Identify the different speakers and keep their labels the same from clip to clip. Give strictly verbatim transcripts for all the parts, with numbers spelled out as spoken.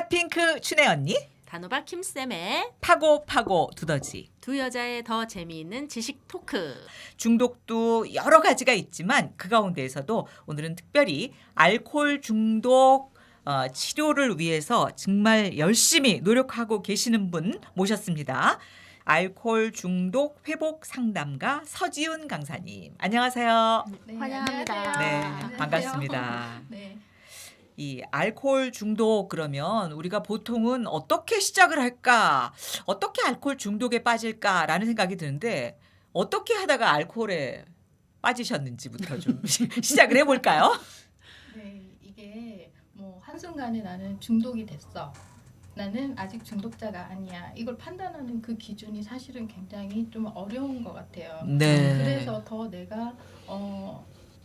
Speaker 1: 핫핑크 춘혜 언니,
Speaker 2: 단호박 킴쌤의
Speaker 1: 파고 파고 두더지.
Speaker 2: 두 여자의 더 재미있는 지식 토크.
Speaker 1: 중독도 여러 가지가 있지만 그 가운데에서도 오늘은 특별히 알코올 중독 어, 치료를 위해서 정말 열심히 노력하고 계시는 분 모셨습니다. 알코올 중독 회복 상담가 서지훈 강사님. 안녕하세요.
Speaker 2: 네, 환영합니다.
Speaker 1: 네,
Speaker 2: 안녕하세요.
Speaker 1: 반갑습니다.
Speaker 3: 네.
Speaker 1: 이 알코올 중독 그러면 우리가 보통은 어떻게 시작을 할까? 어떻게 알코올 중독에 빠질까라는 생각이 드는데 어떻게 하다가 알코올에 빠지셨는지부터 좀 시작을 해볼까요?
Speaker 3: 네, 이게 뭐 한순간에 나는 중독이 됐어. 나는 아직 중독자가 아니야. 이걸 판단하는 그 기준이 사실은 굉장히 좀 어려운 것 같아요.
Speaker 1: 네.
Speaker 3: 그래서 더 내가 어,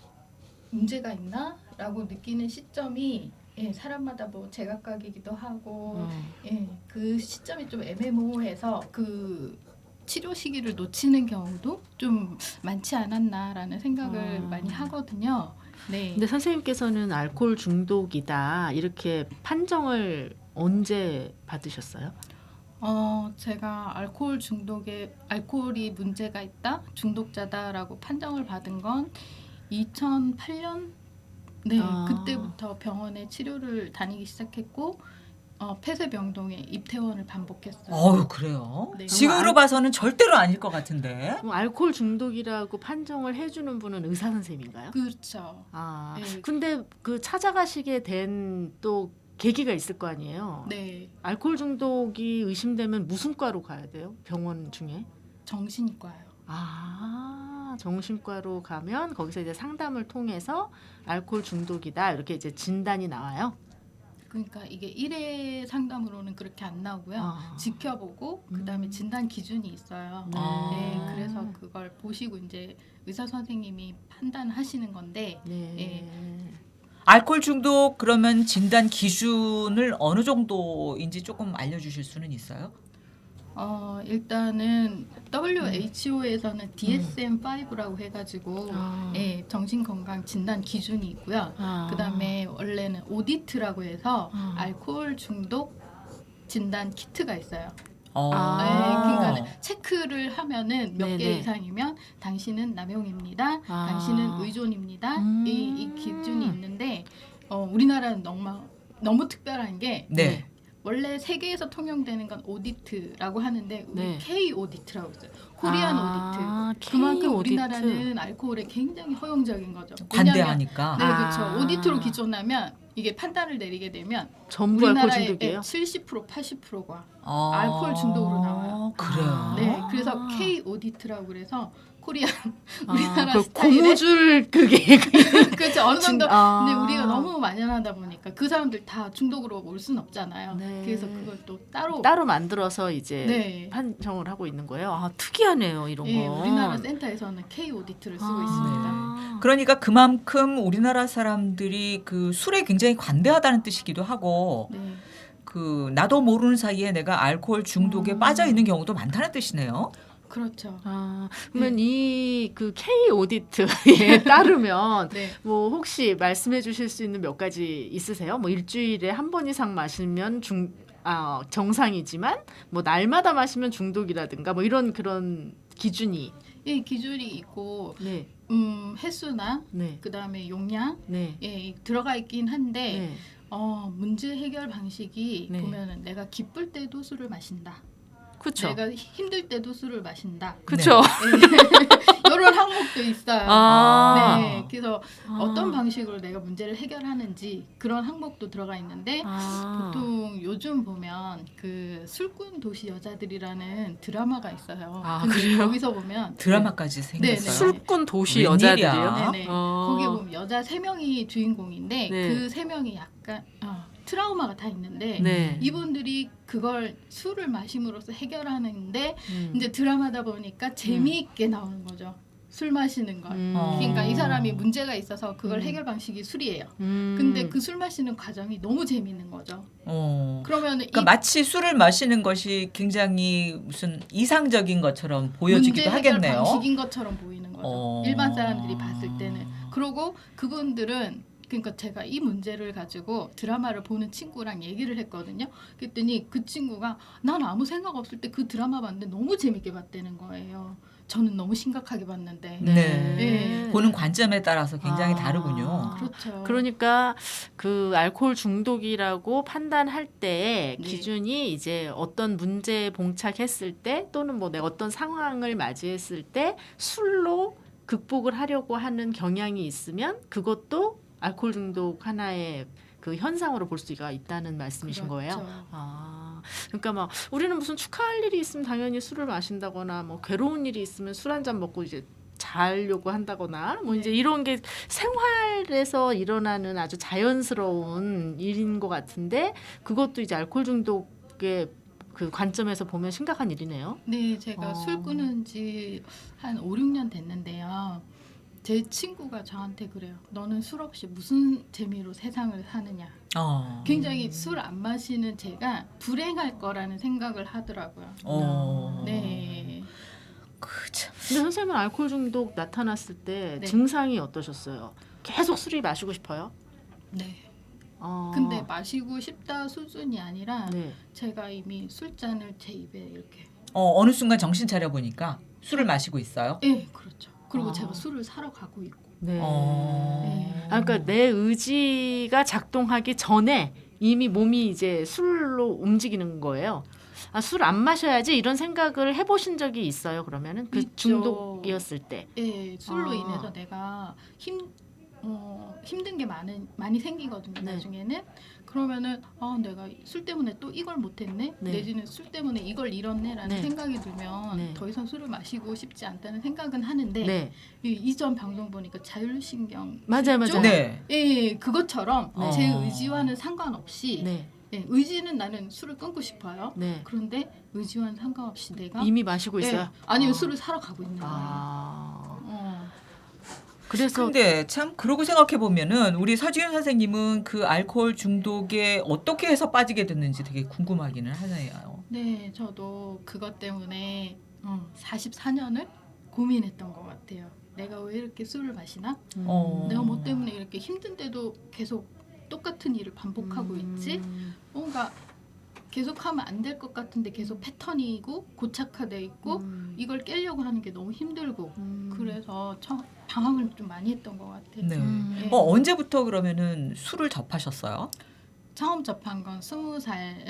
Speaker 3: 문제가 있나라고 느끼는 시점이 예, 사람마다 뭐 제각각이기도 하고
Speaker 2: 음.
Speaker 3: 예, 그 시점이 좀 애매모호해서 그 치료 시기를 놓치는 경우도 좀 많지 않았나라는 생각을
Speaker 2: 아.
Speaker 3: 많이 하거든요. 네.
Speaker 2: 근데 선생님께서는 알코올 중독이다 이렇게 판정을 언제 받으셨어요?
Speaker 3: 어, 제가 알코올 중독에 알코올이 문제가 있다, 중독자다라고 판정을 받은 건 이천팔 년 네,
Speaker 2: 아.
Speaker 3: 그때부터 병원에 치료를 다니기 시작했고 어, 폐쇄병동에 입퇴원을 반복했어요.
Speaker 1: 어우 그래요?
Speaker 3: 네.
Speaker 1: 지금으로 봐서는 절대로 아닐 것 같은데.
Speaker 2: 그럼 알코올 중독이라고 판정을 해주는 분은 의사 선생님인가요?
Speaker 3: 그렇죠.
Speaker 2: 아,
Speaker 3: 네.
Speaker 2: 근데 그 찾아가시게 된 또 계기가 있을 거 아니에요?
Speaker 3: 네,
Speaker 2: 알코올 중독이 의심되면 무슨 과로 가야 돼요? 병원 중에?
Speaker 3: 정신과요.
Speaker 2: 아, 정신과로 가면 거기서 이제 상담을 통해서 알코올 중독이다 이렇게 이제 진단이 나와요.
Speaker 3: 그러니까 이게 일 회 상담으로는 그렇게 안 나오고요.
Speaker 2: 아.
Speaker 3: 지켜보고 그다음에
Speaker 2: 음.
Speaker 3: 진단 기준이 있어요.
Speaker 2: 네.
Speaker 3: 네, 그래서 그걸 보시고 이제 의사 선생님이 판단하시는 건데
Speaker 2: 네.
Speaker 3: 예.
Speaker 1: 알코올 중독 그러면 진단 기준을 어느 정도인지 조금 알려주실 수는 있어요?
Speaker 3: 어, 일단은 더블유에이치오에서는 디에스엠 파이브라고 해가지고
Speaker 2: 아.
Speaker 3: 예, 정신건강 진단 기준이 있고요.
Speaker 2: 아.
Speaker 3: 그다음에 원래는 오디트라고 해서
Speaker 2: 아.
Speaker 3: 알코올 중독 진단 키트가 있어요.
Speaker 1: 어.
Speaker 2: 아.
Speaker 3: 네, 그러니까 체크를 하면은 몇 개
Speaker 2: 네네.
Speaker 3: 이상이면 당신은 남용입니다.
Speaker 2: 아.
Speaker 3: 당신은 의존입니다.
Speaker 2: 음.
Speaker 3: 이, 이 기준이 있는데 어, 우리나라는 너무 너무 특별한 게
Speaker 1: 네.
Speaker 3: 원래 세계에서 통용되는 건 오디트라고 하는데 우리
Speaker 2: 네.
Speaker 3: K 오디트라고 있어요. 코리안
Speaker 2: 아,
Speaker 3: 오디트. 그만큼
Speaker 2: K 오디트.
Speaker 3: 우리나라는 알코올에 굉장히 허용적인 거죠.
Speaker 1: 관대하니까.
Speaker 3: 네,
Speaker 2: 아.
Speaker 3: 그렇죠. 오디트로 기존하면 이게 판단을 내리게 되면
Speaker 2: 전부 알코올
Speaker 3: 우리나라의
Speaker 2: 중독이에요?
Speaker 3: 칠십 퍼센트 팔십 퍼센트가
Speaker 1: 어.
Speaker 3: 알코올 중독으로 나와요.
Speaker 1: 그래요.
Speaker 3: 네, 그래서 K 오디트라고 그래서 코리안
Speaker 2: 아,
Speaker 3: 우리나라
Speaker 2: 그
Speaker 3: 스타일의
Speaker 2: 고무줄 그게
Speaker 3: 그렇죠. 어느 정도.
Speaker 2: 아.
Speaker 3: 근데 우리가 너무 만연하다 보니까 그 사람들 다 중독으로 올 수는 없잖아요.
Speaker 2: 네.
Speaker 3: 그래서 그걸 또 따로
Speaker 2: 따로 만들어서 이제
Speaker 3: 네.
Speaker 2: 판정을 하고 있는 거예요. 아, 특이하네요, 이런
Speaker 3: 예,
Speaker 2: 거.
Speaker 3: 우리나라 센터에서는 K 오디트를 쓰고
Speaker 2: 아.
Speaker 3: 있습니다.
Speaker 1: 그러니까 그만큼 우리나라 사람들이 그 술에 굉장히 관대하다는 뜻이기도 하고
Speaker 3: 네.
Speaker 1: 그 나도 모르는 사이에 내가 알코올 중독에
Speaker 2: 음.
Speaker 1: 빠져 있는 경우도 많다는 뜻이네요.
Speaker 3: 그렇죠.
Speaker 2: 아, 그러면 이 그 K 오디트에 따르면
Speaker 3: 네.
Speaker 2: 뭐 혹시 말씀해 주실 수 있는 몇 가지 있으세요? 뭐 일주일에 한 번 이상 마시면 중 아, 정상이지만 뭐 날마다 마시면 중독이라든가 뭐 이런 그런 기준이
Speaker 3: 이 기준이 있고
Speaker 2: 네.
Speaker 3: 음, 횟수나
Speaker 2: 네.
Speaker 3: 그다음에 용량
Speaker 2: 네.
Speaker 3: 예, 들어가 있긴 한데
Speaker 2: 네.
Speaker 3: 어, 문제 해결 방식이
Speaker 2: 네.
Speaker 3: 보면은 내가 기쁠 때도 술을 마신다.
Speaker 2: 그렇죠.
Speaker 3: 내가 힘들 때도 술을 마신다.
Speaker 2: 그렇죠.
Speaker 3: 이런 항목도 있어요.
Speaker 2: 아.
Speaker 3: 네, 그래서
Speaker 2: 아.
Speaker 3: 어떤 방식으로 내가 문제를 해결하는지 그런 항목도 들어가 있는데
Speaker 2: 아.
Speaker 3: 보통 요즘 보면 그 술꾼 도시 여자들이라는 드라마가 있어요.
Speaker 2: 아,
Speaker 3: 근데
Speaker 2: 그래요?
Speaker 3: 거기서 보면
Speaker 1: 드라마까지
Speaker 3: 네,
Speaker 1: 생겼어요.
Speaker 2: 술꾼 도시
Speaker 1: 웬일이야?
Speaker 2: 여자들이요.
Speaker 3: 네네.
Speaker 2: 어.
Speaker 3: 거기에 보면 여자 세 명이 주인공인데
Speaker 2: 네.
Speaker 3: 그 세 명이 약간 어, 트라우마가 다 있는데
Speaker 2: 네.
Speaker 3: 이분들이 그걸 술을 마심으로써 해결하는데
Speaker 2: 음.
Speaker 3: 이제 드라마다 보니까 재미있게 나오는 거죠. 술 마시는 걸.
Speaker 2: 음.
Speaker 3: 그러니까 이 사람이 문제가 있어서 그걸
Speaker 2: 음.
Speaker 3: 해결 방식이 술이에요.
Speaker 2: 음.
Speaker 3: 근데 그 술 마시는 과정이 너무 재밌는 거죠.
Speaker 1: 어.
Speaker 3: 그러면
Speaker 1: 그러니까
Speaker 3: 이
Speaker 1: 마치 술을 마시는 것이 굉장히 무슨 이상적인 것처럼
Speaker 3: 문제
Speaker 1: 보여지기도
Speaker 3: 해결
Speaker 1: 하겠네요.
Speaker 3: 방식인 것처럼 보이는 거죠.
Speaker 1: 어.
Speaker 3: 일반 사람들이 봤을 때는. 그리고 그분들은 그러니까 제가 이 문제를 가지고 드라마를 보는 친구랑 얘기를 했거든요. 그랬더니 그 친구가 난 아무 생각 없을 때 그 드라마 봤는데 너무 재밌게 봤다는 거예요. 저는 너무 심각하게 봤는데.
Speaker 1: 네.
Speaker 3: 네.
Speaker 1: 보는 관점에 따라서 굉장히
Speaker 2: 아.
Speaker 1: 다르군요.
Speaker 3: 그렇죠.
Speaker 2: 그러니까 그 알코올 중독이라고 판단할 때
Speaker 3: 네.
Speaker 2: 기준이 이제 어떤 문제에 봉착했을 때 또는 뭐 내가 어떤 상황을 맞이했을 때 술로 극복을 하려고 하는 경향이 있으면 그것도 알코올 중독 하나의 그 현상으로 볼 수가 있다는 말씀이신
Speaker 3: 그렇죠.
Speaker 2: 거예요. 아, 그러니까 막 우리는 무슨 축하할 일이 있으면 당연히 술을 마신다거나 뭐 괴로운 일이 있으면 술 한 잔 먹고 이제 자려고 한다거나 뭐
Speaker 3: 네.
Speaker 2: 이제 이런 게 생활에서 일어나는 아주 자연스러운 일인 것 같은데 그것도 이제 알코올 중독의 그 관점에서 보면 심각한 일이네요.
Speaker 3: 네, 제가
Speaker 2: 어.
Speaker 3: 술 끊은 지 한 오, 육 년 됐는데요. 제 친구가 저한테 그래요. 너는 술 없이 무슨 재미로 세상을 사느냐.
Speaker 1: 어.
Speaker 3: 굉장히 술 안 마시는 제가 불행할 거라는 생각을 하더라고요.
Speaker 1: 어.
Speaker 3: 네.
Speaker 1: 그 참.
Speaker 2: 근데 선생님은 알코올 중독 나타났을 때
Speaker 3: 네.
Speaker 2: 증상이 어떠셨어요? 계속 술이 마시고 싶어요?
Speaker 3: 네.
Speaker 2: 어.
Speaker 3: 근데 마시고 싶다 수준이 아니라
Speaker 2: 네.
Speaker 3: 제가 이미 술잔을 제 입에 이렇게.
Speaker 1: 어, 어느 순간 정신 차려 보니까 술을 마시고 있어요.
Speaker 3: 네, 그렇죠. 그리고
Speaker 2: 아.
Speaker 3: 제가 술을 사러 가고 있고.
Speaker 2: 네.
Speaker 1: 어.
Speaker 3: 네.
Speaker 2: 아, 그러니까 내 의지가 작동하기 전에 이미 몸이 이제 술로 움직이는 거예요. 아, 술 안 마셔야지 이런 생각을 해보신 적이 있어요. 그러면은 그
Speaker 3: 있죠.
Speaker 2: 중독이었을 때.
Speaker 3: 네, 술로
Speaker 2: 아.
Speaker 3: 인해서 내가 힘 어, 힘든 게 많은 많이 생기거든요.
Speaker 2: 네.
Speaker 3: 나중에는 그러면은 아 내가 술 때문에 또 이걸 못했네.
Speaker 2: 네.
Speaker 3: 내지는 술 때문에 이걸 잃었네라는
Speaker 2: 네.
Speaker 3: 생각이 들면
Speaker 2: 네.
Speaker 3: 더 이상 술을 마시고 싶지 않다는 생각은 하는데
Speaker 2: 네.
Speaker 3: 이 이전 방송 보니까 자율신경
Speaker 2: 맞아요, 맞아요.
Speaker 3: 쪽?
Speaker 1: 네.
Speaker 3: 예, 그것처럼
Speaker 1: 네.
Speaker 3: 제
Speaker 1: 어.
Speaker 3: 의지와는 상관없이
Speaker 2: 네.
Speaker 3: 예, 의지는 나는 술을 끊고 싶어요.
Speaker 2: 네.
Speaker 3: 그런데 의지와는 상관없이 내가
Speaker 2: 이미 마시고
Speaker 3: 예,
Speaker 2: 있어요.
Speaker 3: 아니면
Speaker 2: 아.
Speaker 3: 술을 사러 가고 있는 거예요.
Speaker 2: 아.
Speaker 3: 어.
Speaker 2: 그래서
Speaker 1: 근데 참 그러고 생각해 보면은 우리 서지윤 선생님은 그 알코올 중독에 어떻게 해서 빠지게 됐는지 되게 궁금하기는 하네요.
Speaker 3: 네, 저도 그것 때문에 어, 사십사 년을 고민했던 것 같아요. 내가 왜 이렇게 술을 마시나?
Speaker 2: 음.
Speaker 1: 어.
Speaker 3: 내가 뭐 때문에 이렇게 힘든데도 계속 똑같은 일을 반복하고
Speaker 2: 음.
Speaker 3: 있지? 뭔가 계속하면 안 될 것 같은데 계속 패턴이고 고착화돼 있고
Speaker 2: 음.
Speaker 3: 이걸 깨려고 하는 게 너무 힘들고
Speaker 2: 음.
Speaker 3: 그래서 처, 방황을 좀 많이 했던 것 같아요.
Speaker 1: 네.
Speaker 2: 음.
Speaker 3: 네.
Speaker 1: 어, 언제부터 그러면은 술을 접하셨어요?
Speaker 3: 처음 접한 건 스무 살.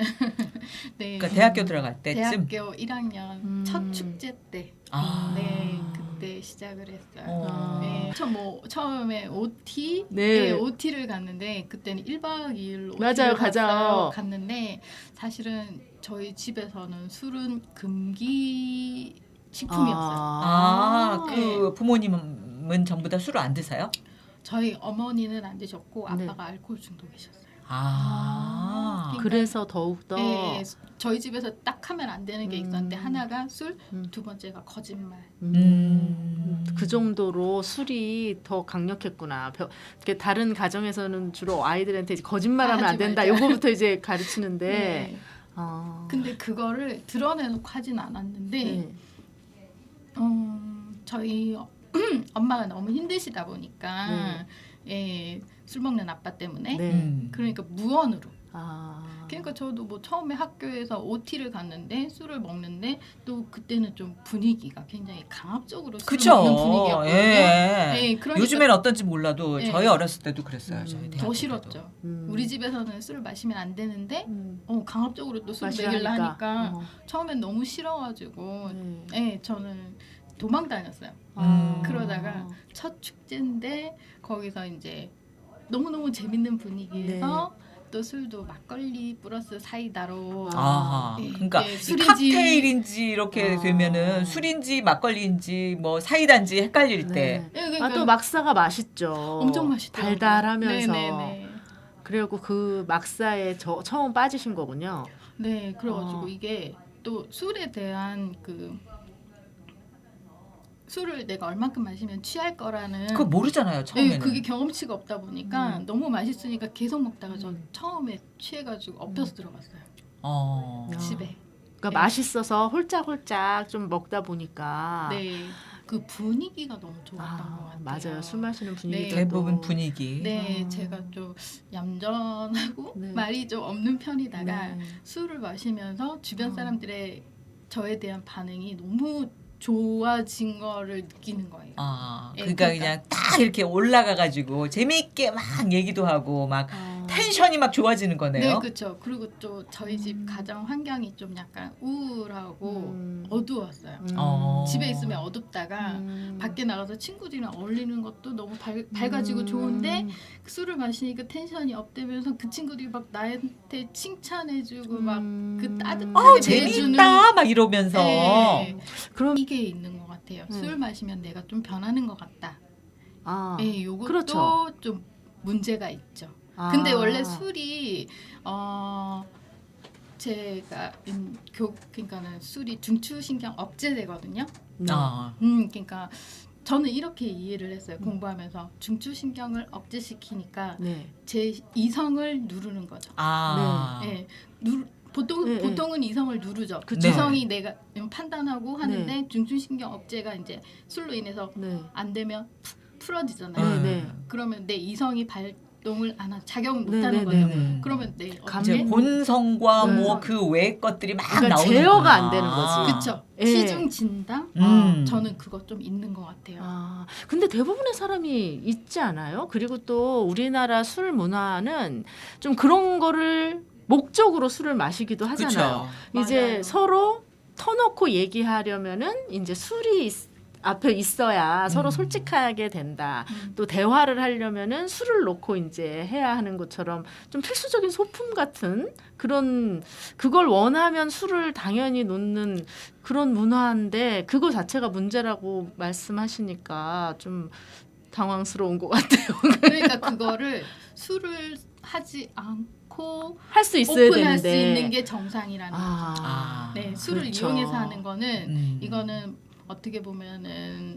Speaker 3: 네.
Speaker 1: 그러니까 대학교 들어갈 때쯤.
Speaker 3: 대학교 일 학년
Speaker 2: 음.
Speaker 3: 첫 축제 때.
Speaker 1: 아.
Speaker 3: 네, 그때 시작을 했어요.
Speaker 1: 어.
Speaker 3: 네, 저 뭐 처음에 오티,
Speaker 2: 네.
Speaker 3: 네, 오티를 갔는데 그때는 일 박 이 일 오티를
Speaker 2: 맞아요, 가죠.
Speaker 3: 갔는데 사실은 저희 집에서는 술은 금기 식품이었어요.
Speaker 1: 아,
Speaker 3: 네.
Speaker 1: 그 부모님은 전부 다 술을 안 드세요?
Speaker 3: 저희 어머니는 안 드셨고
Speaker 2: 네.
Speaker 3: 아빠가 알코올 중독이셨어요.
Speaker 1: 아.
Speaker 2: 그래서 더욱 더
Speaker 3: 네, 저희 집에서 딱 하면 안 되는 게 있었는데
Speaker 2: 음.
Speaker 3: 하나가 술,
Speaker 2: 음.
Speaker 3: 두 번째가 거짓말.
Speaker 1: 음.
Speaker 2: 그 정도로 술이 더 강력했구나. 벼- 이렇게 다른 가정에서는 주로 아이들한테 이제 거짓말하면 안
Speaker 3: 하지
Speaker 2: 된다.
Speaker 3: 말자.
Speaker 2: 요거부터 이제 가르치는데.
Speaker 3: 네.
Speaker 2: 아.
Speaker 3: 근데 그거를 드러내놓고 하진 않았는데
Speaker 2: 네.
Speaker 3: 음, 저희 엄마가 너무 힘드시다 보니까
Speaker 2: 네.
Speaker 3: 예, 술 먹는 아빠 때문에
Speaker 2: 네.
Speaker 1: 음.
Speaker 3: 그러니까 무언으로
Speaker 2: 아.
Speaker 3: 그러니까 저도 뭐 처음에 학교에서 오티를 갔는데 술을 먹는데 또 그때는 좀 분위기가 굉장히 강압적으로 술을
Speaker 1: 그쵸.
Speaker 3: 먹는 분위기였거든요.
Speaker 1: 예.
Speaker 3: 네, 그러니까
Speaker 1: 요즘엔 어떤지 몰라도
Speaker 3: 네.
Speaker 1: 저희 어렸을 때도 그랬어요.
Speaker 2: 음.
Speaker 1: 저희
Speaker 3: 더
Speaker 1: 대학교
Speaker 3: 싫었죠.
Speaker 1: 때도.
Speaker 2: 음.
Speaker 3: 우리 집에서는 술을 마시면 안 되는데
Speaker 2: 음.
Speaker 3: 어, 강압적으로 또 술
Speaker 2: 마시라
Speaker 3: 먹이려
Speaker 2: 하니까.
Speaker 3: 하니까
Speaker 2: 어.
Speaker 3: 처음엔 너무 싫어가지고
Speaker 2: 네.
Speaker 3: 예, 저는 도망 다녔어요.
Speaker 2: 아.
Speaker 3: 그러다가 첫 축제인데 거기서 이제 너무너무 재밌는 분위기에서 또 술도 막걸리 플러스 사이다로
Speaker 1: 아하.
Speaker 3: 예,
Speaker 1: 그러니까
Speaker 3: 예,
Speaker 1: 이
Speaker 3: 술인지-
Speaker 1: 칵테일인지 이렇게
Speaker 2: 아.
Speaker 1: 되면은 술인지 막걸리인지 뭐 사이다인지 헷갈릴 때.
Speaker 3: 예, 그러니까
Speaker 2: 아, 또 막사가 맛있죠.
Speaker 3: 엄청 맛있더라고요.
Speaker 2: 달달하면서.
Speaker 3: 네네네.
Speaker 2: 그리고 그 막사에 저 처음 빠지신 거군요.
Speaker 3: 네, 그래가지고
Speaker 2: 아.
Speaker 3: 이게 또 술에 대한 그 술을 내가 얼만큼 마시면 취할 거라는
Speaker 1: 그거 모르잖아요,
Speaker 3: 네,
Speaker 1: 처음에는.
Speaker 3: 그게 경험치가 없다 보니까
Speaker 2: 음.
Speaker 3: 너무 맛있으니까 계속 먹다가 저
Speaker 2: 음.
Speaker 3: 처음에 취해가지고 엎혀서 들어갔어요.
Speaker 1: 어.
Speaker 2: 아.
Speaker 3: 집에.
Speaker 2: 그러니까
Speaker 3: 네.
Speaker 2: 맛있어서 홀짝홀짝 좀 먹다 보니까
Speaker 3: 네. 그 분위기가 너무 좋았던
Speaker 2: 아,
Speaker 3: 것 같아요.
Speaker 2: 맞아요. 술 마시는 분위기
Speaker 3: 네.
Speaker 1: 대부분 분위기.
Speaker 3: 네,
Speaker 2: 아.
Speaker 3: 제가 좀 얌전하고
Speaker 2: 네.
Speaker 3: 말이 좀 없는 편이다가
Speaker 2: 네.
Speaker 3: 술을 마시면서 주변
Speaker 2: 어.
Speaker 3: 사람들의 저에 대한 반응이 너무 좋아진 거를 느끼는 거예요.
Speaker 1: 아,
Speaker 3: 예,
Speaker 1: 그러니까
Speaker 3: 그러니까.
Speaker 1: 그냥 딱 이렇게 올라가가지고 재미있게 막 얘기도 하고 막
Speaker 2: 아.
Speaker 1: 텐션이 막 좋아지는
Speaker 3: 네,
Speaker 1: 거네요.
Speaker 3: 그렇죠. 그리고 또 저희 집
Speaker 2: 음.
Speaker 3: 가정 환경이 좀 약간 우울하고
Speaker 2: 음.
Speaker 3: 어두웠어요.
Speaker 2: 음.
Speaker 1: 어.
Speaker 3: 집에 있으면 어둡다가
Speaker 2: 음.
Speaker 3: 밖에 나가서 친구들이랑 어울리는 것도 너무 밝, 밝아지고
Speaker 2: 음.
Speaker 3: 좋은데 술을 마시니까 텐션이 업되면서 그 친구들이 막 나한테 칭찬해주고 막
Speaker 2: 음.
Speaker 3: 그 따뜻하게
Speaker 1: 어,
Speaker 3: 대해주는
Speaker 1: 재미있다 막 이러면서.
Speaker 3: 네.
Speaker 2: 그럼
Speaker 3: 이게 있는 것 같아요.
Speaker 2: 네.
Speaker 3: 술 마시면 내가 좀 변하는 것 같다.
Speaker 2: 아.
Speaker 3: 네, 요것도
Speaker 2: 그렇죠.
Speaker 3: 좀 문제가 있죠.
Speaker 2: 아.
Speaker 3: 근데 원래 술이 어 제가 음, 교 그러니까는 술이 중추신경 억제되거든요.
Speaker 2: 네.
Speaker 1: 아,
Speaker 3: 음, 그러니까 저는 이렇게 이해를 했어요.
Speaker 2: 음.
Speaker 3: 공부하면서 중추신경을 억제시키니까
Speaker 2: 네.
Speaker 3: 제 이성을 누르는 거죠.
Speaker 1: 아.
Speaker 3: 예, 누 보통
Speaker 2: 네,
Speaker 3: 보통은 이성을 누르죠.
Speaker 2: 그쵸.
Speaker 3: 이성이 내가 판단하고 하는데
Speaker 2: 네.
Speaker 3: 중추신경 억제가 이제 술로 인해서
Speaker 2: 네.
Speaker 3: 안 되면 푸- 풀어지잖아요.
Speaker 2: 네, 네.
Speaker 3: 그러면 내 이성이 발동을 안 하, 작용을 못
Speaker 2: 네,
Speaker 3: 하는
Speaker 2: 네,
Speaker 3: 거죠.
Speaker 2: 네, 네.
Speaker 3: 그러면 내
Speaker 2: 감-
Speaker 1: 이제
Speaker 2: 네.
Speaker 1: 본성과
Speaker 2: 네.
Speaker 1: 뭐 그 외의 것들이 막
Speaker 2: 그러니까
Speaker 1: 나오는
Speaker 2: 제어가 안 되는 거지.
Speaker 3: 그쵸.
Speaker 2: 예.
Speaker 3: 시중 진당.
Speaker 1: 음.
Speaker 3: 저는 그거 좀 있는 것 같아요.
Speaker 2: 아, 근데 대부분의 사람이 있지 않아요? 그리고 또 우리나라 술 문화는 좀 그런 거를 목적으로 술을 마시기도 하잖아요.
Speaker 1: 그쵸.
Speaker 2: 이제
Speaker 3: 맞아요.
Speaker 2: 서로 터놓고 얘기하려면은 이제 술이 있- 앞에 있어야 서로
Speaker 1: 음.
Speaker 2: 솔직하게 된다.
Speaker 3: 음.
Speaker 2: 또 대화를 하려면은 술을 놓고 이제 해야 하는 것처럼 좀 필수적인 소품 같은 그런 그걸 원하면 술을 당연히 놓는 그런 문화인데 그거 자체가 문제라고 말씀하시니까 좀 당황스러운 것 같아요.
Speaker 3: 그러니까 그거를 술을 하지 않고
Speaker 2: 할 수 있어야
Speaker 3: 오픈할 수
Speaker 2: 되는데.
Speaker 3: 있는 게 정상이라는 거죠.
Speaker 2: 아,
Speaker 3: 네, 술을
Speaker 2: 그렇죠.
Speaker 3: 이용해서 하는 거는
Speaker 1: 음.
Speaker 3: 이거는 어떻게 보면은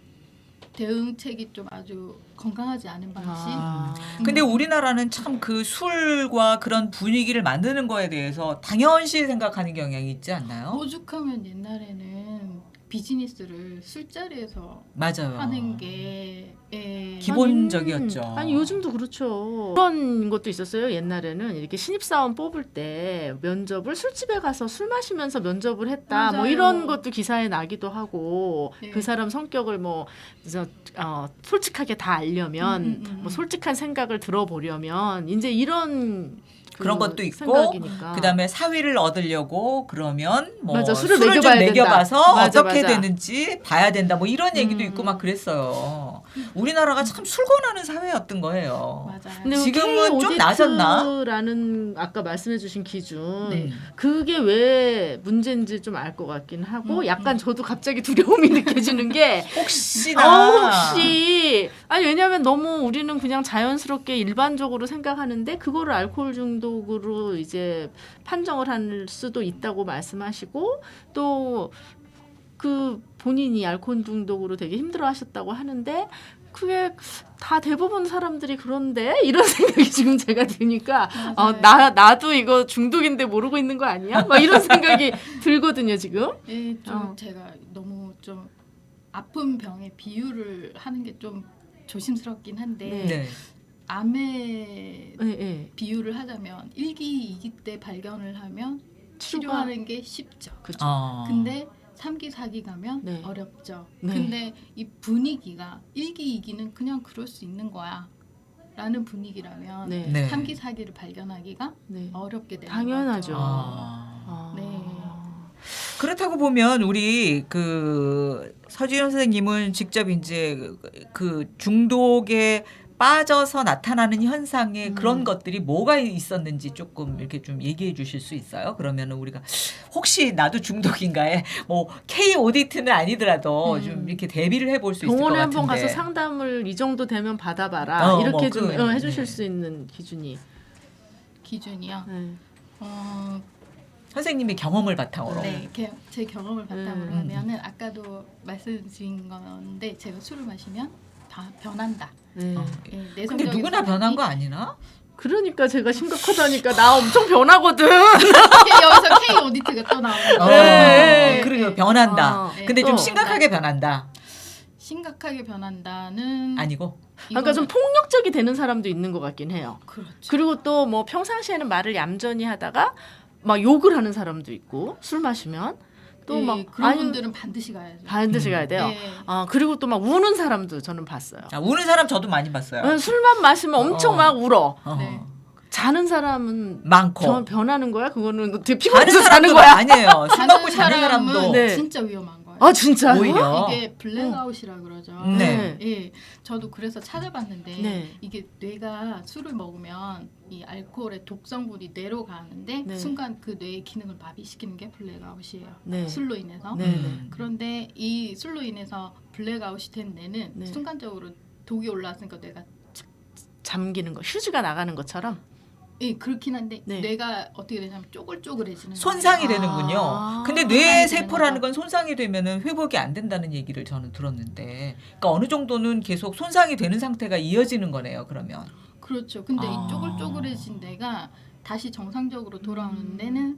Speaker 3: 대응책이 좀 아주 건강하지 않은 방식.
Speaker 2: 아.
Speaker 1: 근데 우리나라는 참 그 술과 그런 분위기를 만드는 거에 대해서 당연시 생각하는 경향이 있지 않나요?
Speaker 3: 오죽하면 옛날에는 비즈니스를 술자리에서
Speaker 1: 맞아요.
Speaker 3: 하는 게 예.
Speaker 1: 기본적이었죠.
Speaker 2: 아니, 아니 요즘도 그렇죠. 그런 것도 있었어요. 옛날에는 이렇게 신입사원 뽑을 때 면접을 술집에 가서 술 마시면서 면접을 했다. 뭐
Speaker 3: 맞아요.
Speaker 2: 이런 것도 기사에 나기도 하고
Speaker 3: 네.
Speaker 2: 그 사람 성격을 뭐 저, 어, 솔직하게 다 알려면
Speaker 3: 음, 음, 음,
Speaker 2: 뭐
Speaker 3: 음.
Speaker 2: 솔직한 생각을 들어보려면 이제 이런 그
Speaker 1: 그런 것도 있고,
Speaker 2: 생각이니까.
Speaker 1: 그다음에 사위를 얻으려고 그러면 뭐
Speaker 2: 맞아, 술을
Speaker 1: 술을,
Speaker 2: 먹여봐야
Speaker 1: 좀
Speaker 2: 된다.
Speaker 1: 먹여봐서
Speaker 2: 맞아,
Speaker 1: 어떻게
Speaker 2: 맞아.
Speaker 1: 되는지 봐야 된다. 뭐 이런 얘기도
Speaker 2: 음.
Speaker 1: 있고 막 그랬어요. 우리나라가 참 술권하는 사회였던 거예요.
Speaker 3: 맞아요.
Speaker 2: 근데
Speaker 1: 지금은 좀 나아졌나?
Speaker 2: 라는 아까 말씀해주신 기준
Speaker 3: 네.
Speaker 1: 음.
Speaker 2: 그게 왜 문제인지 좀 알 것 같긴 하고
Speaker 3: 음,
Speaker 2: 약간
Speaker 3: 음.
Speaker 2: 저도 갑자기 두려움이 느껴지는 게
Speaker 1: 혹시나
Speaker 2: 어, 혹시 아니 왜냐하면 너무 우리는 그냥 자연스럽게 일반적으로 생각하는데 그거를 알코올 중독으로 이제 판정을 할 수도 있다고 말씀하시고 또 그 본인이 알코올 중독으로 되게 힘들어하셨다고 하는데 그게 다 대부분 사람들이 그런데 이런 생각이 지금 제가 드니까 어,
Speaker 3: 맞아요.
Speaker 2: 나 나도 이거 중독인데 모르고 있는 거 아니야? 막 이런 생각이 들거든요 지금.
Speaker 3: 예, 좀
Speaker 2: 어.
Speaker 3: 제가 너무 좀 아픈 병에 비유를 하는 게 좀 조심스럽긴 한데
Speaker 2: 네.
Speaker 1: 네.
Speaker 3: 암에
Speaker 2: 네, 네.
Speaker 3: 비유를 하자면 일 기, 이 기 때 발견을 하면
Speaker 2: 치료가-
Speaker 3: 치료하는 게 쉽죠.
Speaker 2: 그죠.
Speaker 1: 어.
Speaker 3: 근데 삼 기, 사 기 가면
Speaker 2: 네.
Speaker 3: 어렵죠.
Speaker 2: 네.
Speaker 3: 근데 이 분위기가 일 기, 이 기는 그냥 그럴 수 있는 거야 라는 분위기라면
Speaker 2: 네.
Speaker 1: 네.
Speaker 3: 삼 기, 사 기를 발견하기가
Speaker 2: 네.
Speaker 3: 어렵게 되는
Speaker 2: 당연하죠.
Speaker 3: 거죠.
Speaker 1: 아.
Speaker 2: 아.
Speaker 3: 네.
Speaker 1: 그렇다고 보면 우리 그 서지현 선생님은 직접 이제 그 중독에 빠져서 나타나는 현상에
Speaker 2: 음.
Speaker 1: 그런 것들이 뭐가 있었는지 조금 이렇게 좀 얘기해 주실 수 있어요? 그러면은 우리가 혹시 나도 중독인가에 뭐 K 오디트는 아니더라도
Speaker 2: 음.
Speaker 1: 좀 이렇게 대비를 해볼 수 있을 것
Speaker 2: 병원에
Speaker 1: 같은데.
Speaker 2: 한번 가서 상담을 이 정도 되면 받아봐라
Speaker 1: 어,
Speaker 2: 이렇게
Speaker 1: 뭐
Speaker 2: 좀
Speaker 1: 그,
Speaker 2: 어, 해주실
Speaker 1: 네.
Speaker 2: 수 있는 기준이.
Speaker 3: 기준이요.
Speaker 2: 네.
Speaker 3: 어,
Speaker 1: 선생님의 경험을 바탕으로.
Speaker 3: 네, 게- 제 경험을 바탕으로
Speaker 2: 음.
Speaker 3: 하면은 아까도 말씀드린 건데 제가 술을 마시면 다 변한다.
Speaker 2: 네.
Speaker 1: 어.
Speaker 3: 예,
Speaker 1: 근데
Speaker 3: 내성적인
Speaker 1: 누구나
Speaker 3: 사람이
Speaker 1: 변한 거 아니나?
Speaker 2: 그러니까 제가 심각하다니까 나 엄청 변하거든.
Speaker 3: 여기서 K 오디트가 또 나오는
Speaker 1: 어,
Speaker 3: 거예요.
Speaker 2: 네.
Speaker 1: 그러게 변한다.
Speaker 2: 어.
Speaker 1: 근데 좀
Speaker 2: 또.
Speaker 1: 심각하게 변한다.
Speaker 3: 심각하게 변한다는
Speaker 1: 아니고.
Speaker 2: 그러니까 좀
Speaker 3: 이거는-
Speaker 2: 폭력적이 되는 사람도 있는 것 같긴 해요.
Speaker 3: 그렇죠.
Speaker 2: 그리고 또 뭐 평상시에는 말을 얌전히 하다가 막 욕을 하는 사람도 있고 술 마시면 또
Speaker 3: 예,
Speaker 2: 막
Speaker 3: 그런
Speaker 2: 아니,
Speaker 3: 분들은 반드시 가야죠.
Speaker 2: 반드시
Speaker 1: 음.
Speaker 2: 가야 돼요.
Speaker 3: 예.
Speaker 2: 아 그리고 또 막 우는 사람도 저는 봤어요.
Speaker 1: 아, 우는 사람 저도 많이 봤어요.
Speaker 2: 어, 술만 마시면 엄청
Speaker 1: 어.
Speaker 2: 막 울어.
Speaker 1: 어.
Speaker 3: 네.
Speaker 2: 자는 사람은
Speaker 1: 많고.
Speaker 2: 변, 변하는 거야? 그거는 어떻게
Speaker 1: 자는
Speaker 2: 피곤해서 자는
Speaker 1: 사람도
Speaker 2: 거야?
Speaker 1: 아니에요. 술 먹고 자는
Speaker 3: 사람은
Speaker 1: 사람도.
Speaker 2: 네.
Speaker 3: 진짜 위험한 거예요.
Speaker 2: 아 진짜요?
Speaker 1: 오히려.
Speaker 3: 이게 블랙아웃이라 그러죠.
Speaker 1: 네.
Speaker 3: 예, 저도 그래서 찾아봤는데
Speaker 2: 네.
Speaker 3: 이게 뇌가 술을 먹으면 이 알코올의 독성분이 뇌로 가는데
Speaker 2: 네.
Speaker 3: 순간 그 뇌의 기능을 마비시키는 게 블랙아웃이에요.
Speaker 2: 네.
Speaker 3: 술로 인해서.
Speaker 2: 네.
Speaker 1: 음.
Speaker 3: 그런데 이 술로 인해서 블랙아웃이 된 뇌는
Speaker 2: 네.
Speaker 3: 순간적으로 독이 올라왔으니까 뇌가
Speaker 2: 잠기는 거, 휴지가 나가는 것처럼.
Speaker 3: 예, 그렇긴 한데
Speaker 2: 네.
Speaker 3: 뇌가 어떻게 되냐면 쪼글쪼글해지는
Speaker 1: 손상이
Speaker 3: 거예요.
Speaker 1: 되는군요.
Speaker 2: 아.
Speaker 1: 근데
Speaker 3: 손상이
Speaker 1: 뇌
Speaker 3: 되는
Speaker 1: 세포라는
Speaker 3: 거죠.
Speaker 1: 건 손상이 되면은 회복이 안 된다는 얘기를 저는 들었는데, 그러니까 어느 정도는 계속 손상이 되는 상태가 이어지는 거네요. 그러면.
Speaker 3: 그렇죠. 근데
Speaker 1: 아.
Speaker 3: 이 쪼글쪼글해진 뇌가 다시 정상적으로 돌아오는
Speaker 2: 음.
Speaker 3: 데는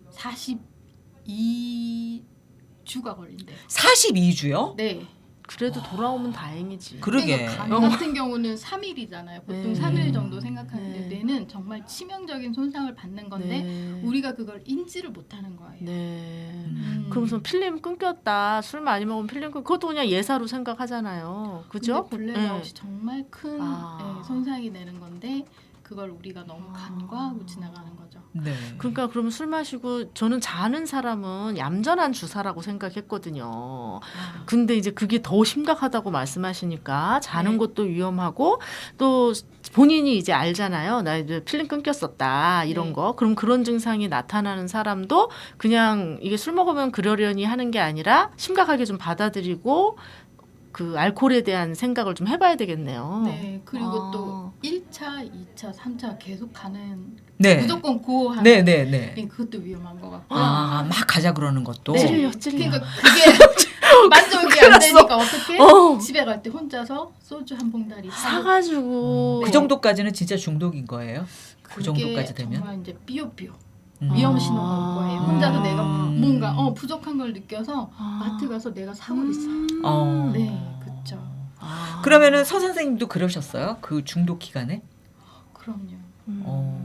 Speaker 3: 사십이 주가 걸린대요.
Speaker 1: 사십이 주요?
Speaker 3: 네.
Speaker 2: 그래도 돌아오면 다행이지.
Speaker 1: 그러게.
Speaker 3: 그러니까 간
Speaker 2: 어.
Speaker 3: 같은 경우는 삼 일이잖아요. 보통
Speaker 2: 네.
Speaker 3: 삼 일 정도 생각하는데
Speaker 2: 네.
Speaker 3: 뇌는 정말 치명적인 손상을 받는 건데
Speaker 2: 네.
Speaker 3: 우리가 그걸 인지를 못하는 거예요.
Speaker 2: 네.
Speaker 3: 음.
Speaker 2: 그러면서 필름 끊겼다. 술 많이 먹으면 필름 끊. 그것도 그냥 예사로 생각하잖아요. 그죠?
Speaker 3: 근데 블랙아웃이
Speaker 2: 네.
Speaker 3: 정말 큰
Speaker 2: 아.
Speaker 3: 예, 손상이 되는 건데 그걸 우리가 너무
Speaker 2: 아.
Speaker 3: 간과하고 지나가는 거죠.
Speaker 1: 네.
Speaker 2: 그러니까 그러면 술 마시고 저는 자는 사람은 얌전한 주사라고 생각했거든요.
Speaker 3: 아.
Speaker 2: 근데 이제 그게 더 심각하다고 말씀하시니까 자는
Speaker 3: 네.
Speaker 2: 것도 위험하고 또 본인이 이제 알잖아요. 나 이제 필름 끊겼었다 이런
Speaker 3: 네.
Speaker 2: 거. 그럼 그런 증상이 나타나는 사람도 그냥 이게 술 먹으면 그러려니 하는 게 아니라 심각하게 좀 받아들이고 그 알코올에 대한 생각을 좀 해봐야 되겠네요.
Speaker 3: 네. 그리고
Speaker 2: 아.
Speaker 3: 또 일 차, 이 차, 삼 차 계속 가는
Speaker 1: 네.
Speaker 3: 무조건 고하는
Speaker 1: 네, 네, 네.
Speaker 3: 예, 그것도 위험한 것 같고요.
Speaker 1: 아, 막 가자 그러는 것도.
Speaker 3: 네.
Speaker 2: 찔려, 찔려.
Speaker 3: 그러니까 그게 만족이 안 되니까 어떻게
Speaker 2: 어.
Speaker 3: 집에 갈 때 혼자서 소주 한 봉다리 사고
Speaker 2: 사가지고
Speaker 1: 그 정도까지는 진짜 중독인 거예요. 그
Speaker 3: 그게
Speaker 1: 정도까지 되면.
Speaker 3: 정말 이제 삐요삐요
Speaker 1: 음.
Speaker 3: 위험 신호가 올 거예요. 혼자서 내가
Speaker 1: 음.
Speaker 3: 뭔가 어 부족한 걸 느껴서
Speaker 2: 아.
Speaker 3: 마트 가서 내가 사버렸어요.
Speaker 1: 어.
Speaker 3: 네, 그렇죠.
Speaker 2: 아.
Speaker 1: 그러면은 서 선생님도 그러셨어요? 그 중독 기간에?
Speaker 3: 그럼요.
Speaker 2: 음.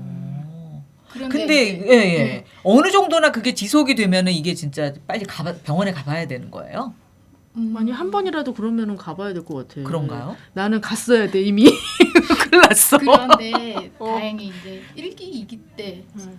Speaker 1: 어.
Speaker 3: 그런데
Speaker 1: 근데
Speaker 3: 이제-
Speaker 1: 예, 예.
Speaker 3: 네.
Speaker 1: 어느 정도나 그게 지속이 되면은 이게 진짜 빨리 가봐, 병원에 가봐야 되는 거예요?
Speaker 3: 음,
Speaker 2: 아니 한 번이라도 그러면은 가봐야 될 것 같아.
Speaker 1: 그런가요?
Speaker 2: 나는 갔어야 돼 이미. 큰일 났어.
Speaker 3: 그런데
Speaker 2: 어.
Speaker 3: 다행히 이제 일 기, 이 기
Speaker 2: 음.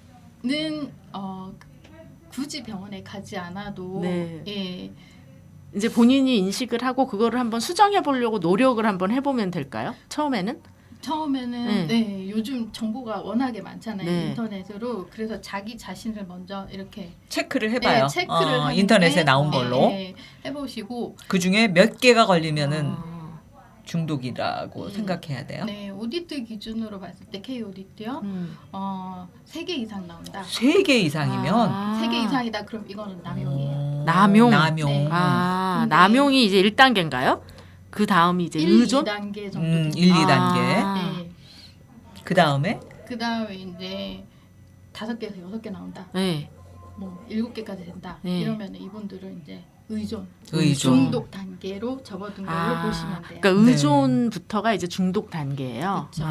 Speaker 3: 때는 어, 굳이 병원에 가지 않아도
Speaker 2: 네.
Speaker 3: 예,
Speaker 2: 이제 본인이 인식을 하고 그거를 한번 수정해 보려고 노력을 한번 해보면 될까요? 처음에는?
Speaker 3: 처음에는
Speaker 2: 네.
Speaker 3: 네. 요즘 정보가 워낙에 많잖아요.
Speaker 2: 네.
Speaker 3: 인터넷으로. 그래서 자기 자신을 먼저 이렇게
Speaker 1: 체크를 해봐요.
Speaker 3: 네, 체크를
Speaker 1: 어,
Speaker 3: 하는데,
Speaker 1: 인터넷에 나온
Speaker 3: 네,
Speaker 1: 걸로.
Speaker 3: 네, 해보시고
Speaker 1: 그 중에 몇 개가 걸리면은
Speaker 2: 아.
Speaker 1: 중독이라고
Speaker 3: 음.
Speaker 1: 생각해야 돼요.
Speaker 3: 네, 오디트 기준으로 봤을 때 K 오디트요.
Speaker 2: 음.
Speaker 3: 어, 세 개 이상 나온다.
Speaker 1: 세 개 이상이면
Speaker 2: 아.
Speaker 3: 세 개 이상이다. 그럼 이거는 남용이에요.
Speaker 1: 어,
Speaker 2: 남용.
Speaker 1: 남용.
Speaker 3: 네.
Speaker 2: 아,
Speaker 3: 근데-
Speaker 2: 남용이 이제 일 단계인가요? 그 다음이 이제
Speaker 3: 일,
Speaker 2: 의존?
Speaker 3: 이 단계 정도.
Speaker 1: 음,
Speaker 3: 됩니다.
Speaker 1: 일, 이 단계.
Speaker 2: 아.
Speaker 3: 네.
Speaker 1: 그 다음에
Speaker 3: 그 다음에 이제 다섯 개에서 여섯 개 나온다.
Speaker 2: 네.
Speaker 3: 뭐 일곱 개까지 된다.
Speaker 2: 네.
Speaker 3: 이러면 이분들은 이제 의존,
Speaker 1: 의존.
Speaker 3: 중독 단계로 접어든 걸로
Speaker 2: 아,
Speaker 3: 보시면 돼요.
Speaker 2: 그러니까
Speaker 1: 네.
Speaker 2: 의존부터가 이제 중독 단계예요.
Speaker 3: 그쵸.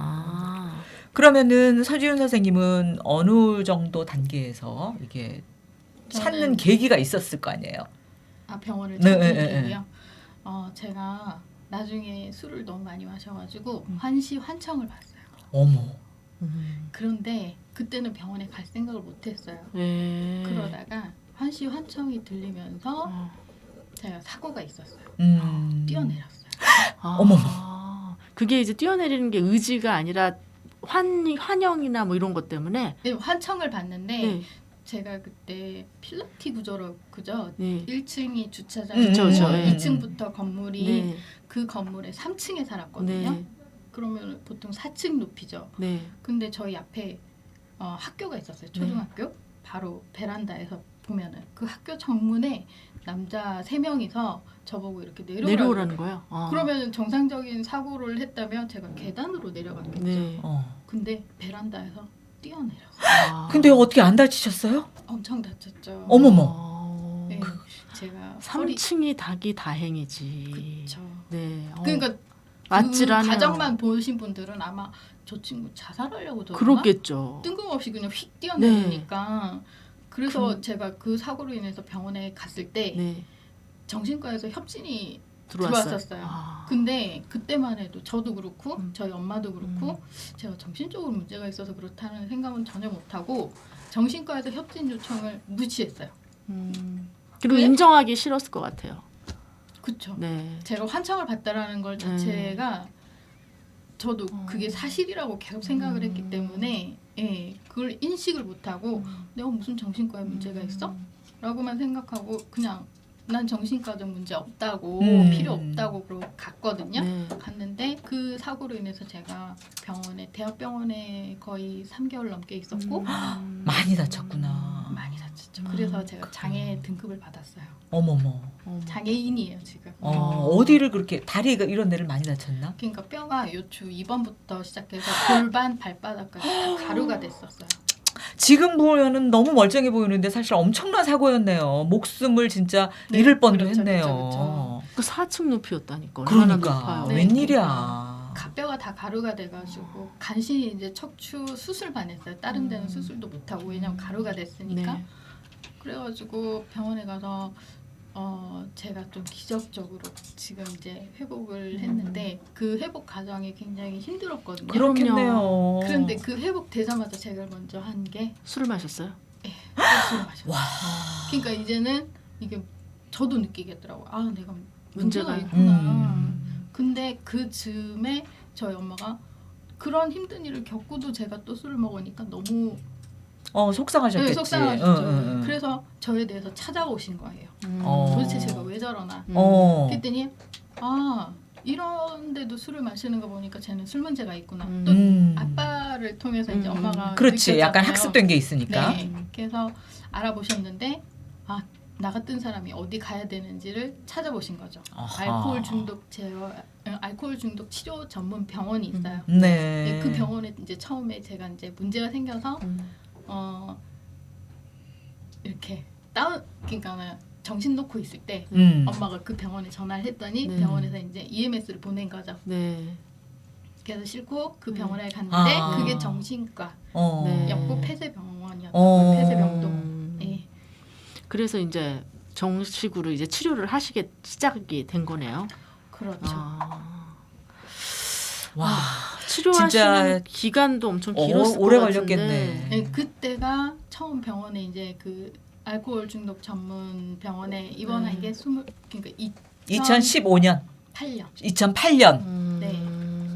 Speaker 2: 아.
Speaker 1: 그러면은 서지훈 선생님은 어느 정도 단계에서 이게 찾는
Speaker 3: 저는-
Speaker 1: 계기가 있었을 거 아니에요.
Speaker 3: 아 병원을
Speaker 1: 네,
Speaker 3: 찾는
Speaker 1: 네, 네,
Speaker 3: 계기요. 어 제가 나중에 술을 너무 많이 마셔가지고
Speaker 2: 음.
Speaker 3: 환시 환청을 봤어요.
Speaker 1: 어머.
Speaker 2: 음.
Speaker 3: 그런데 그때는 병원에 갈 생각을 못했어요.
Speaker 2: 네.
Speaker 3: 그러다가 환시 환청이 들리면서
Speaker 2: 어.
Speaker 3: 제가 사고가 있었어요.
Speaker 1: 음.
Speaker 3: 뛰어내렸어요.
Speaker 2: 아.
Speaker 1: 어머머.
Speaker 2: 그게 이제 뛰어내리는 게 의지가 아니라 환 환영이나 뭐 이런 것 때문에.
Speaker 3: 네, 환청을 봤는데
Speaker 2: 네.
Speaker 3: 제가 그때 필라티 구조로 그죠?
Speaker 2: 네.
Speaker 3: 일 층이 주차장,
Speaker 1: 음,
Speaker 2: 그쵸, 그쵸. 네.
Speaker 3: 이 층부터 건물이
Speaker 2: 네.
Speaker 3: 그 건물의 삼 층에 살았거든요.
Speaker 2: 네.
Speaker 3: 그러면 보통 사 층 높이죠.
Speaker 2: 네.
Speaker 3: 근데 저희 앞에 어, 학교가 있었어요. 초등학교. 바로 베란다에서 보면은 그 학교 정문에 남자 세 명이서 저보고 이렇게 내려오라
Speaker 2: 내려오라는 거예요. 아.
Speaker 3: 그러면 정상적인 사고를 했다면 제가 계단으로 내려갔겠죠.
Speaker 2: 네.
Speaker 1: 어.
Speaker 3: 근데 베란다에서 뛰어내렸어요.
Speaker 2: 아.
Speaker 1: 근데 어떻게 안 다치셨어요?
Speaker 3: 엄청 다쳤죠.
Speaker 1: 어머머.
Speaker 2: 어.
Speaker 3: 네, 제가 허리
Speaker 2: 삼 층이 닭이 다행이지.
Speaker 3: 그쵸.
Speaker 2: 네. 어.
Speaker 3: 그러니까
Speaker 2: 아찔하네요.
Speaker 3: 그 가정만 보신 분들은 아마 저 친구 자살하려고 저러나?
Speaker 2: 그렇겠죠.
Speaker 3: 뜬금없이 그냥 휙 뛰어내리니까
Speaker 2: 네.
Speaker 3: 그래서
Speaker 2: 그-
Speaker 3: 제가 그 사고로 인해서 병원에 갔을 때
Speaker 2: 네.
Speaker 3: 정신과에서 협진이
Speaker 2: 들어왔어요.
Speaker 3: 들어왔었어요.
Speaker 2: 아.
Speaker 3: 근데 그때만 해도 저도 그렇고
Speaker 2: 음.
Speaker 3: 저희 엄마도 그렇고
Speaker 2: 음.
Speaker 3: 제가 정신적으로 문제가 있어서 그렇다는 생각은 전혀 못하고 정신과에서 협진 요청을 무시했어요.
Speaker 2: 음. 그리고
Speaker 3: 왜?
Speaker 2: 인정하기 싫었을 것 같아요.
Speaker 3: 그쵸.
Speaker 2: 네.
Speaker 3: 제가 환청을 받다라는 걸 자체가 저도
Speaker 2: 어.
Speaker 3: 그게 사실이라고 계속 생각을
Speaker 2: 음.
Speaker 3: 했기 때문에 예, 그걸 인식을 못하고
Speaker 2: 음.
Speaker 3: 내가 무슨 정신과에 문제가 있어? 라고만 생각하고 그냥 난 정신과적 문제 없다고
Speaker 1: 음.
Speaker 3: 필요 없다고 그러고 갔거든요.
Speaker 2: 네.
Speaker 3: 갔는데 그 사고로 인해서 제가 병원에 대학병원에 거의 삼 개월 넘게 있었고
Speaker 2: 음.
Speaker 1: 많이 다쳤구나.
Speaker 3: 많이 다쳤죠.
Speaker 2: 음.
Speaker 3: 그래서 제가 장애 등급을 받았어요.
Speaker 1: 어머머.
Speaker 2: 어머.
Speaker 3: 장애인이에요 지금.
Speaker 1: 어,
Speaker 2: 어.
Speaker 1: 어디를 그렇게 다리가 이런 데를 많이 다쳤나?
Speaker 3: 그러니까 뼈가 요추 이 번부터 시작해서 골반 발바닥까지 다 가루가 됐었어요.
Speaker 1: 지금 보면은 너무 멀쩡해 보이는데 사실 엄청난 사고였네요. 목숨을 진짜
Speaker 3: 네,
Speaker 1: 잃을 뻔도
Speaker 3: 그렇죠,
Speaker 1: 했네요.
Speaker 3: 그렇죠,
Speaker 2: 그 사 층 높이였다니까. 얼마나
Speaker 1: 그러니까
Speaker 2: 높아요.
Speaker 3: 네.
Speaker 1: 웬일이야.
Speaker 3: 뼈가 다 가루가 돼가지고 간신히 이제 척추 수술만 했어요. 다른 데는
Speaker 2: 음.
Speaker 3: 수술도 못하고 왜냐면 가루가 됐으니까.
Speaker 2: 네.
Speaker 3: 그래가지고 병원에 가서 어 제가 좀 기적적으로 지금 이제 회복을 했는데 그 회복 과정이 굉장히 힘들었거든요.
Speaker 2: 그럼-
Speaker 1: 그렇겠네요.
Speaker 3: 그런데 그 회복 되자마자 제가 먼저 한 게
Speaker 2: 술을 마셨어요?
Speaker 3: 술을 마셨어요.
Speaker 1: 와.
Speaker 3: 그러니까 이제는 이게 저도 느끼겠더라고요. 아 내가 문제가
Speaker 2: 문제가
Speaker 3: 있구나.
Speaker 1: 음.
Speaker 3: 근데 그 즈음에 저희 엄마가 그런 힘든 일을 겪고도 제가 또 술을 먹으니까 너무
Speaker 1: 어 속상하셨겠지.
Speaker 3: 네, 속상하셨죠.
Speaker 1: 응, 응, 응.
Speaker 3: 그래서 저에 대해서 찾아오신 거예요.
Speaker 2: 음.
Speaker 1: 어.
Speaker 3: 도대체 제가 왜 저러나.
Speaker 2: 음.
Speaker 1: 어.
Speaker 3: 그랬더니 아 이런데도 술을 마시는 거 보니까 쟤는 술 문제가 있구나.
Speaker 2: 음.
Speaker 3: 또
Speaker 1: 음.
Speaker 3: 아빠를 통해서 이제
Speaker 2: 음.
Speaker 3: 엄마가
Speaker 1: 그렇지. 약간
Speaker 3: 느꼈잖아요.
Speaker 1: 학습된 게 있으니까.
Speaker 3: 네. 그래서 알아보셨는데 아 나 같은 사람이 어디 가야 되는지를 찾아보신 거죠.
Speaker 1: 아하.
Speaker 3: 알코올 중독 제어, 어, 알코올 중독 치료 전문 병원이 있어요.
Speaker 1: 네.
Speaker 3: 네, 그 병원에 이제 처음에 제가 이제 문제가 생겨서
Speaker 2: 음.
Speaker 3: 어 이렇게 다운 그러니까 정신 놓고 있을 때
Speaker 1: 음.
Speaker 3: 엄마가 그 병원에 전화를 했더니
Speaker 2: 네.
Speaker 3: 병원에서 이제 이엠에스를 보낸 거죠.
Speaker 2: 네.
Speaker 3: 그래서 싣고 그
Speaker 2: 네.
Speaker 3: 병원에 갔는데
Speaker 1: 아.
Speaker 3: 그게 정신과
Speaker 1: 어.
Speaker 2: 네.
Speaker 3: 였고 폐쇄병원이었던
Speaker 1: 어.
Speaker 3: 거예요. 폐쇄병동.
Speaker 2: 음.
Speaker 3: 네.
Speaker 2: 그래서 이제 정식으로 이제 치료를 하시게 시작이 된 거네요.
Speaker 3: 그렇죠.
Speaker 2: 아.
Speaker 1: 와.
Speaker 2: 치료하시는
Speaker 1: 진짜
Speaker 2: 기간도 엄청
Speaker 1: 어,
Speaker 2: 길었을
Speaker 1: 오래
Speaker 2: 것 같은데.
Speaker 1: 걸렸겠네.
Speaker 3: 네, 그때가 처음 병원에 이제 그 알코올 중독 전문 병원에 입원한
Speaker 2: 네.
Speaker 3: 게 스물 그러니까
Speaker 1: 이천십오 년,
Speaker 3: 이천팔 년.
Speaker 1: 이천팔 년.
Speaker 2: 음.
Speaker 3: 네.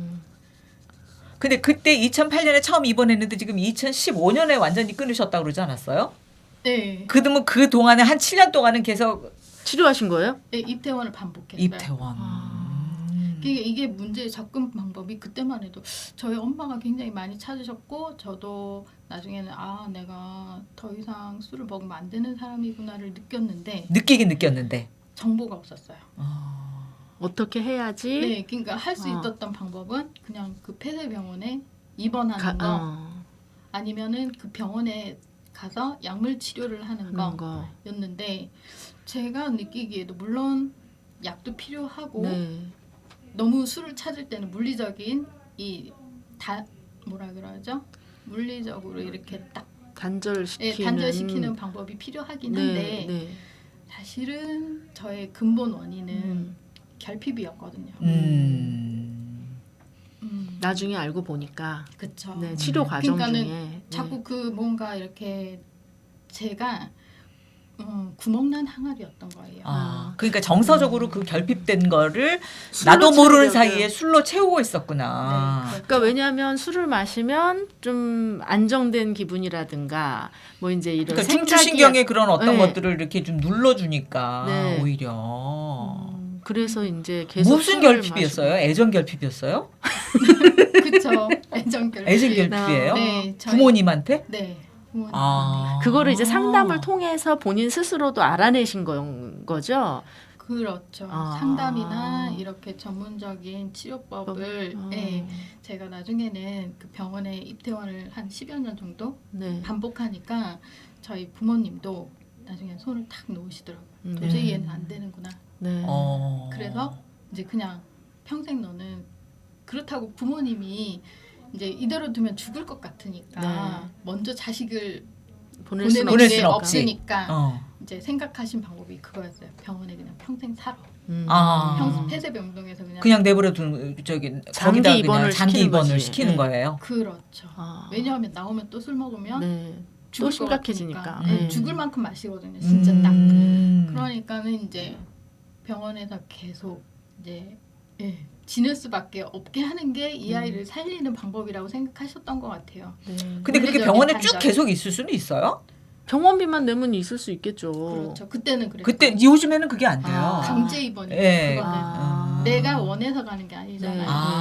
Speaker 1: 근데 그때 이천팔 년에 처음 입원했는데 지금 이천십오 년에 완전히 끊으셨다고 그러지 않았어요?
Speaker 3: 네.
Speaker 1: 그러면 그 동안에 한 칠 년 동안은 계속
Speaker 2: 치료하신 거예요?
Speaker 3: 네, 입퇴원을 반복했어요.
Speaker 1: 입퇴원.
Speaker 2: 아.
Speaker 1: 음.
Speaker 3: 이게, 이게 문제의 접근 방법이 그때만 해도 저희 엄마가 굉장히 많이 찾으셨고 저도 나중에는 아 내가 더 이상 술을 먹으면 안 되는 사람이구나를 느꼈는데
Speaker 1: 느끼긴 느꼈는데.
Speaker 3: 정보가 없었어요.
Speaker 1: 어.
Speaker 2: 어떻게 해야지?
Speaker 3: 네, 그러니까 할 수
Speaker 2: 어.
Speaker 3: 있었던 방법은 그냥 그 폐쇄병원에 입원하는
Speaker 2: 가,
Speaker 3: 거
Speaker 2: 어,
Speaker 3: 아니면은 그 병원에 가서 약물 치료를 하는
Speaker 2: 하는 거.
Speaker 3: 거였는데 제가 느끼기에도 물론 약도 필요하고
Speaker 2: 네.
Speaker 3: 너무 술을 찾을 때는 물리적인 이 다 뭐라 그러죠? 물리적으로 이렇게 딱 예,
Speaker 2: 단절시키는
Speaker 3: 단절시키는 방법이 필요하긴
Speaker 2: 네,
Speaker 3: 한데
Speaker 2: 네.
Speaker 3: 사실은 저의 근본 원인은
Speaker 2: 음.
Speaker 3: 결핍이었거든요.
Speaker 1: 음.
Speaker 3: 음.
Speaker 2: 나중에 알고 보니까
Speaker 3: 그쵸.
Speaker 2: 네, 치료
Speaker 1: 음.
Speaker 2: 과정
Speaker 3: 그러니까는
Speaker 2: 중에
Speaker 3: 자꾸 그 뭔가 이렇게 제가 음, 구멍난 항아리였던 거예요.
Speaker 1: 아, 그러니까 정서적으로 그 결핍된 거를
Speaker 2: 술로
Speaker 1: 나도 모르는
Speaker 2: 채우려고요.
Speaker 1: 사이에 술로 채우고 있었구나.
Speaker 3: 네,
Speaker 2: 그러니까 왜냐하면 술을 마시면 좀 안정된 기분이라든가 뭐 이제 이런
Speaker 1: 그러니까
Speaker 2: 생각이
Speaker 1: 중추신경의 그런 어떤
Speaker 2: 네.
Speaker 1: 것들을 이렇게 좀 눌러주니까
Speaker 2: 네.
Speaker 1: 오히려
Speaker 2: 음, 그래서 이제 계속
Speaker 1: 무슨
Speaker 2: 술을
Speaker 1: 결핍이었어요?
Speaker 2: 마시고.
Speaker 1: 애정 결핍이었어요?
Speaker 3: 그쵸. 애정 결핍.
Speaker 1: 애정 결핍이에요?
Speaker 3: 네, 저희-
Speaker 1: 부모님한테?
Speaker 3: 네. 부모님.
Speaker 1: 아.
Speaker 2: 그거를 이제 상담을 통해서 본인 스스로도 알아내신 건 거죠.
Speaker 3: 그렇죠.
Speaker 2: 아.
Speaker 3: 상담이나 이렇게 전문적인 치료법을
Speaker 2: 아.
Speaker 3: 네, 제가 나중에는 그 병원에 입퇴원을 한 십여 년 정도
Speaker 2: 네.
Speaker 3: 반복하니까 저희 부모님도 나중에 손을 탁 놓으시더라고요.
Speaker 2: 네.
Speaker 3: 도저히 얘는 안 되는구나.
Speaker 2: 네.
Speaker 1: 어.
Speaker 3: 그래서 이제 그냥 평생 너는 그렇다고 부모님이 이제 이대로 두면 죽을 것 같으니까
Speaker 2: 네.
Speaker 3: 먼저 자식을
Speaker 2: 보낼 수는
Speaker 3: 보내는 게
Speaker 1: 수는 없지.
Speaker 3: 없으니까
Speaker 1: 어.
Speaker 3: 이제 생각하신 방법이 그거였어요. 병원에 그냥 평생 살아.
Speaker 2: 음.
Speaker 1: 아.
Speaker 3: 평 폐쇄병동에서 그냥
Speaker 1: 그냥 내버려 둔 저기
Speaker 2: 장기
Speaker 1: 거기다
Speaker 2: 입원을
Speaker 1: 그냥 장기
Speaker 2: 시키는
Speaker 1: 입원을
Speaker 2: 거지.
Speaker 1: 시키는
Speaker 2: 네.
Speaker 1: 거예요.
Speaker 3: 그렇죠.
Speaker 2: 아.
Speaker 3: 왜냐하면 나오면 또 술 먹으면
Speaker 2: 네.
Speaker 3: 죽을
Speaker 2: 또
Speaker 3: 것
Speaker 2: 심각해지니까.
Speaker 3: 같으니까. 네,
Speaker 2: 네.
Speaker 3: 죽을 만큼 마시거든요. 진짜 딱.
Speaker 1: 음.
Speaker 3: 그러니까는 이제 병원에서 계속 이제 예, 지낼 수밖에 없게 하는 게 이
Speaker 2: 음.
Speaker 3: 아이를 살리는 방법이라고 생각하셨던 것 같아요.
Speaker 2: 네.
Speaker 1: 근데 그렇게
Speaker 3: 물리적인
Speaker 1: 병원에 쭉
Speaker 3: 단절.
Speaker 1: 계속 있을 수는 있어요?
Speaker 2: 병원비만 내면 있을 수 있겠죠.
Speaker 3: 그렇죠. 그때는 그랬어요.
Speaker 1: 그때 요즘에는 그게 안 돼요.
Speaker 2: 아.
Speaker 3: 강제 입원이
Speaker 1: 예.
Speaker 3: 그거는
Speaker 2: 아.
Speaker 3: 내가 원해서 가는 게 아니잖아요.
Speaker 2: 네.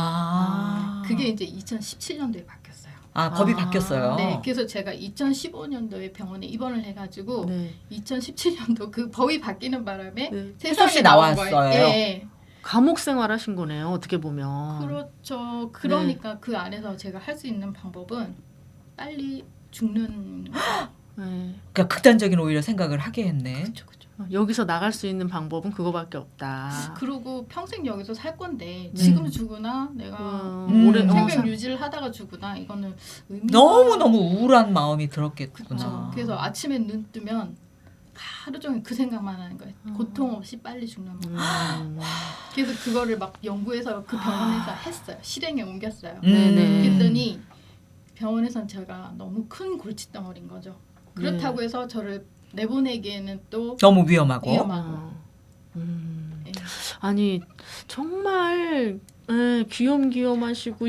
Speaker 1: 아.
Speaker 3: 그게 이제 이천십칠 년도에 바뀌었어요.
Speaker 1: 아, 법이
Speaker 2: 아.
Speaker 1: 바뀌었어요.
Speaker 3: 네, 그래서 제가 이천십오 년도에 병원에 입원을 해가지고
Speaker 2: 네.
Speaker 3: 이천십칠 년도 그 법이 바뀌는 바람에
Speaker 2: 네.
Speaker 3: 세상에
Speaker 1: 수
Speaker 3: 나온
Speaker 1: 나왔어요.
Speaker 3: 거예요. 예.
Speaker 2: 감옥 생활하신 거네요. 어떻게 보면.
Speaker 3: 그렇죠. 그러니까 그 안에서 제가 할 수 있는 방법은 빨리 죽는
Speaker 2: 네.
Speaker 1: 그러니까 극단적인 오히려 생각을 하게 했네.
Speaker 3: 그렇죠, 그렇죠.
Speaker 2: 여기서 나갈 수 있는 방법은 그거밖에 없다.
Speaker 3: 그리고 평생 여기서 살 건데
Speaker 2: 네.
Speaker 3: 지금 죽으나 내가
Speaker 1: 음.
Speaker 2: 오래 어,
Speaker 3: 생명
Speaker 2: 사-
Speaker 3: 유지를 하다가 죽으나 이거는 의미가
Speaker 1: 너무 너무 우울한 마음이
Speaker 3: 그렇죠.
Speaker 1: 들었겠구나.
Speaker 3: 그래서 아침에 눈 뜨면 하루 종일 그 생각만 하는 거예요.
Speaker 2: 음.
Speaker 3: 고통 없이 빨리 죽는 거.
Speaker 2: 음.
Speaker 3: 그래서 그거를 막 연구해서 그 병원에서 했어요. 실행에 옮겼어요.
Speaker 1: 음.
Speaker 2: 네네.
Speaker 3: 그랬더니 병원에선 제가 너무 큰 골칫덩어리인 거죠. 그렇다고
Speaker 2: 네.
Speaker 3: 해서 저를 내보내기에는 또
Speaker 1: 너무 위험하고.
Speaker 3: 위험하고.
Speaker 2: 어. 음.
Speaker 3: 네.
Speaker 2: 아니 정말 예, 귀염귀염하시고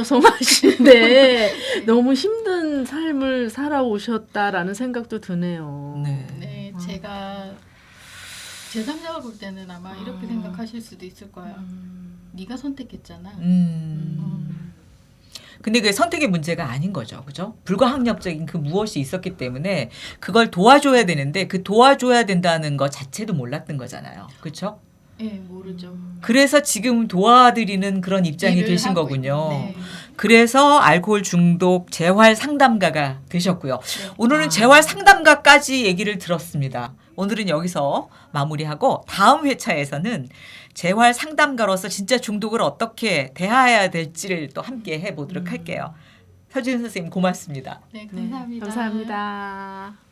Speaker 2: 여성여성하신데 너무 힘든 삶을 살아오셨다라는 생각도 드네요.
Speaker 1: 네.
Speaker 3: 네,
Speaker 2: 아.
Speaker 3: 제가 제삼자가 볼 때는 아마 이렇게
Speaker 2: 아.
Speaker 3: 생각하실 수도 있을 거예요.
Speaker 2: 음.
Speaker 3: 네가 선택했잖아.
Speaker 1: 음.
Speaker 2: 음.
Speaker 1: 근데 그게 선택의 문제가 아닌 거죠. 그죠? 불가항력적인 그 무엇이 있었기 때문에 그걸 도와줘야 되는데 그 도와줘야 된다는 것 자체도 몰랐던 거잖아요. 그렇죠?
Speaker 3: 네, 모르죠.
Speaker 1: 그래서 지금 도와드리는 그런 입장이
Speaker 3: 일을
Speaker 1: 되신
Speaker 3: 하고
Speaker 1: 거군요.
Speaker 3: 있- 네.
Speaker 1: 그래서 알코올 중독 재활 상담가가 되셨고요.
Speaker 3: 네.
Speaker 1: 오늘은
Speaker 2: 아.
Speaker 1: 재활 상담가까지 얘기를 들었습니다. 오늘은 여기서 마무리하고 다음 회차에서는 재활 상담가로서 진짜 중독을 어떻게 대해야 될지를 또 함께 해보도록
Speaker 2: 음.
Speaker 1: 할게요. 서지은 선생님 고맙습니다.
Speaker 3: 네,
Speaker 2: 네,
Speaker 3: 감사합니다.
Speaker 2: 감사합니다.